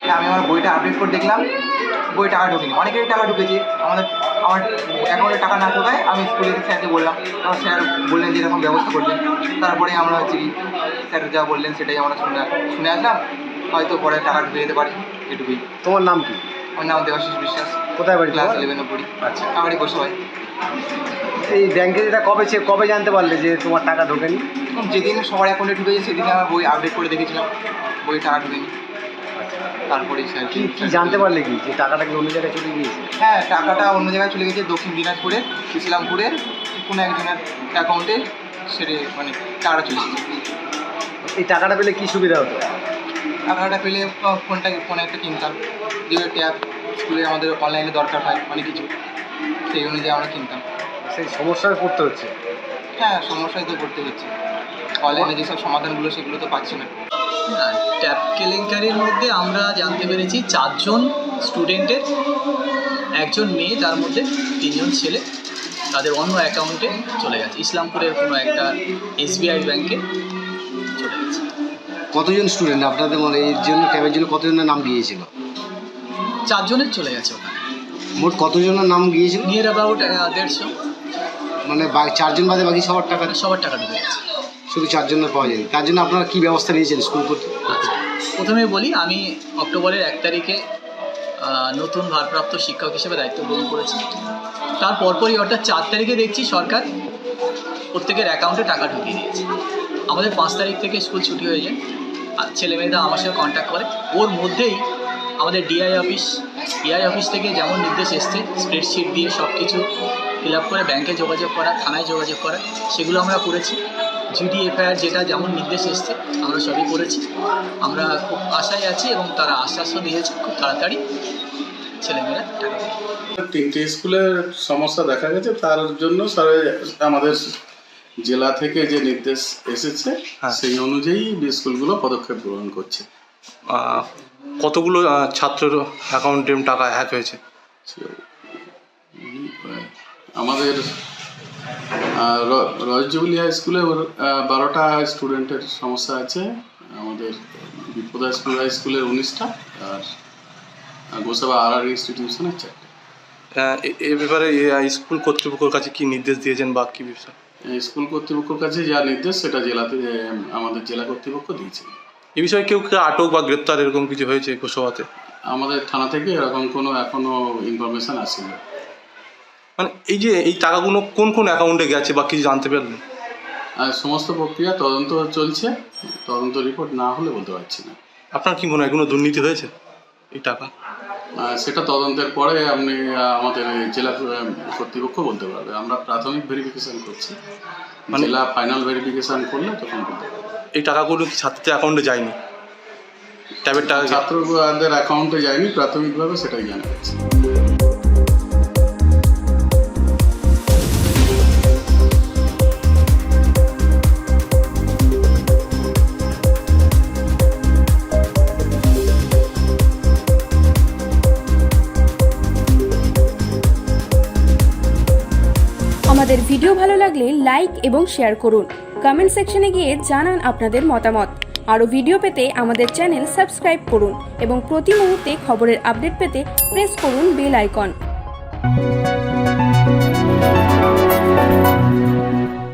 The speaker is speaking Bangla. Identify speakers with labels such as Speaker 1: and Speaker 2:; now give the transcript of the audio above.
Speaker 1: আমি আমার বইটা আপডেট করে দেখলাম বই টাকা ঢোকেনি। অনেকেরই টাকা ঢুকেছে, আমার অ্যাকাউন্টে টাকা না ঢোকায় আমি স্কুলের স্যারকে বললাম, তখন স্যার বললেন যে এরকম ব্যবস্থা করবেন। তারপরে আমরা হচ্ছে কি স্যার যা বললেন সেটাই আমরা শুনে আসলাম, হয়তো পরে টাকা ঢুকে যেতে পারে, এটুকুই।
Speaker 2: তোমার নাম কি?
Speaker 1: আমার নাম দেবাশিস বিশ্বাস।
Speaker 2: কোথায় বাড়ি?
Speaker 1: ক্লাস 11-এ পড়ি।
Speaker 2: আচ্ছা,
Speaker 1: আমার বসে হয়।
Speaker 2: এই ব্যাংকে যেটা কবে জানতে পারলে যে তোমার টাকা ঢোকেনি?
Speaker 1: যেদিন সবার অ্যাকাউন্টে ঢুকেছে সেদিনে আমার বই আপডেট করে দেখেছিলাম, বই টাকা ঢুকেনি। তারপরে স্যার
Speaker 2: কি জানতে পারলে কি যে টাকাটা কি অন্য জায়গায় চলে গিয়েছে?
Speaker 1: হ্যাঁ, টাকাটা অন্য জায়গায় চলে গেছে, দক্ষিণ দিনাজপুরের ইসলামপুরের কোনো একজনের অ্যাকাউন্টে সেরে মানে টাকাটা চলে গেছে।
Speaker 2: এই টাকাটা পেলে কি সুবিধা হতো?
Speaker 1: টাকাটা পেলে ফোন একটা কিনতাম, যেগুলো ট্যাব স্কুলে আমাদের অনলাইনে দরকার হয় অনেক কিছু, সেই অনুযায়ী আমরা কিনতাম।
Speaker 2: সেই সমস্যায় পড়তে হচ্ছে।
Speaker 1: হ্যাঁ, সমস্যায় তো পড়তে হচ্ছে, অনলাইনে যেসব সমাধানগুলো সেগুলো তো পাচ্ছি না।
Speaker 3: ট্যাব কেলেঙ্কারির মধ্যে আমরা জানতে পেরেছি 4 জন স্টুডেন্টের, একজন মেয়ে, তার মধ্যে 3 জন ছেলে, তাদের অন্য অ্যাকাউন্টে চলে গেছে, ইসলামপুরের কোনো একটা SBI ব্যাংকে চলে গেছে।
Speaker 2: কতজন স্টুডেন্ট আপনাদের মানে এর জন্য ট্যাবের জন্য কতজনের নাম গিয়েছিল?
Speaker 3: 4 জনের চলে গেছে ওখানে।
Speaker 2: মোট কতজনের নাম গিয়েছিল?
Speaker 3: Near about 150।
Speaker 2: মানে 4 জন বাদে বাকি সবার টাকা
Speaker 3: ঢুকে গেছে,
Speaker 2: শুধু 4 জনের পাওয়া যায়নি। তার জন্য আপনারা কী ব্যবস্থা নিয়েছেন স্কুল করতে?
Speaker 3: আচ্ছা, প্রথমে বলি, আমি অক্টোবরের 1 তারিখে নতুন ভারপ্রাপ্ত শিক্ষক হিসেবে দায়িত্ব গ্রহণ করেছি। তার পরপরই অর্থাৎ 4 তারিখে দেখছি সরকার প্রত্যেকের অ্যাকাউন্টে টাকা ঢুকিয়ে দিয়েছে। আমাদের 5 তারিখ থেকে স্কুল ছুটি হয়ে যায়, আর ছেলেমেয়েরা আমার সঙ্গে কন্ট্যাক্ট করে। ওর মধ্যেই আমাদের EI অফিস থেকে যেমন নির্দেশ এসছে, স্প্রেডশিট দিয়ে সব কিছু ফিল আপ করে ব্যাংকে যোগাযোগ করা, থানায় যোগাযোগ করা, সেগুলো আমরা করেছি। GD FIR যেটা যেমন নির্দেশ এসছে আমরা সবই করেছি। আমরা খুব আশায় আছি এবং তারা আশ্বাসও দিয়েছে খুব তাড়াতাড়ি ছেলেমেয়েরা টাকা দেবে।
Speaker 4: 3টে স্কুলের সমস্যা দেখা গেছে, তার জন্য আমাদের জেলা থেকে যে নির্দেশ এসেছে সেই অনুযায়ী স্কুলগুলো পদক্ষেপ গ্রহণ করছে।
Speaker 5: কতগুলো ছাত্রের অ্যাকাউন্টে টাকা হ্যাক হয়েছে?
Speaker 4: আমাদের রয়জুবিলি হাই স্কুলে 12টা স্টুডেন্টের সমস্যা আছে, আমাদের বিপদা স্কুল হাই স্কুলের 19টা, আর গোসাবা RR ইনস্টিটিউশনের 4টা।
Speaker 5: এ ব্যাপারে স্কুল কর্তৃপক্ষের কাছে কি নির্দেশ দিয়েছেন বা কী বিষয়?
Speaker 4: স্কুল কর্তৃপক্ষের কাছে যা নির্দেশ সেটা আমাদের জেলা কর্তৃপক্ষ দিয়েছে।
Speaker 5: এ বিষয়ে কেউ আটক বা গ্রেপ্তার এরকম কিছু হয়েছে গোসাবাতে?
Speaker 4: আমাদের থানা থেকে এরকম কোনো এখনো ইনফরমেশন আসেনি।
Speaker 5: মানে এই টাকাগুলো কোন অ্যাকাউন্টে গেছে বা কিছু জানতে পারলেন?
Speaker 4: আর সমস্ত প্রক্রিয়া তদন্ত চলছে, তদন্ত রিপোর্ট না হলে বলতে পারছি না।
Speaker 5: আপনার কি মনে হয় কোনো দুর্নীতি হয়েছে এই টাকা?
Speaker 4: সেটা তদন্তের পরে আপনি আমাদের জেলা কর্তৃপক্ষ বলতে পারবে। আমরা প্রাথমিক ভেরিফিকেশন করছি, জেলা ফাইনাল ভেরিফিকেশন করলে তখন বলতে পারবে।
Speaker 5: এই টাকাগুলো কি ছাত্রদের অ্যাকাউন্টে যায়নি? ট্যাবের টাকা
Speaker 4: ছাত্রদের অ্যাকাউন্টে যায়নি, প্রাথমিকভাবে সেটাই জানা যাচ্ছে।
Speaker 6: আমাদের ভিডিও ভালো লাগলে লাইক এবং শেয়ার করুন। কমেন্ট সেকশনে গিয়ে জানান আপনাদের মতামত। আরও ভিডিও পেতে আমাদের চ্যানেল সাবস্ক্রাইব করুন এবং প্রতি মুহূর্তে খবরের আপডেট পেতে প্রেস করুন বেল আইকন।